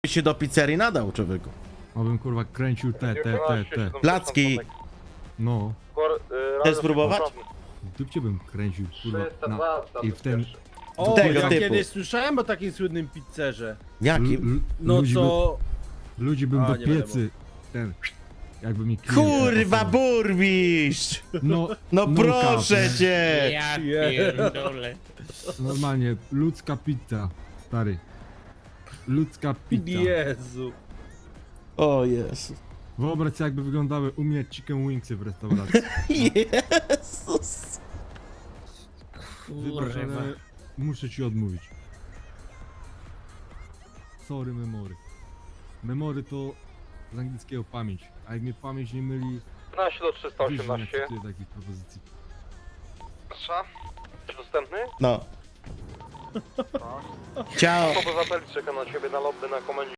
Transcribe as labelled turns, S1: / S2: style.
S1: się do pizzerii nadał, człowieku.
S2: Obym kurwa kręcił te.
S1: Placki.
S2: No,
S1: Chcesz spróbować?
S2: w dupcie bym kręcił kurwa. I w ten...
S3: O,
S1: Tego
S3: ja
S1: typu.
S3: kiedyś słyszałem o takim słynnym pizzerze.
S1: Jakim?
S3: No
S2: ludzi
S3: co...
S2: Ludzi bym
S3: A,
S2: do
S3: nie
S2: piecy. Ten... Jakby mi klient
S1: Kurwa,
S2: pasował.
S1: burmistrz!
S2: No,
S1: No
S2: no
S1: proszę
S2: cap,
S1: cię!
S4: Ja pierdolę.
S2: Normalnie, ludzka pizza, stary. Ludzka pizza.
S3: Jezu.
S1: O Jezu.
S2: Wyobraź sobie, jakby wyglądały u mnie chicken wingsy w restauracji.
S1: Jezus.
S2: Wybacz,
S4: Kurwa.
S2: ale muszę ci odmówić. Sorry, memory. Memory to z angielskiego pamięć, a jak mnie pamięć nie myli,
S5: 15 do
S2: wiesz, że nie
S5: 318.
S2: akceptuję takich propozycji.
S5: Proszę. Dostępny?
S1: No. Ciao.
S5: Obywateli czeka na ciebie na lobby na komendzie.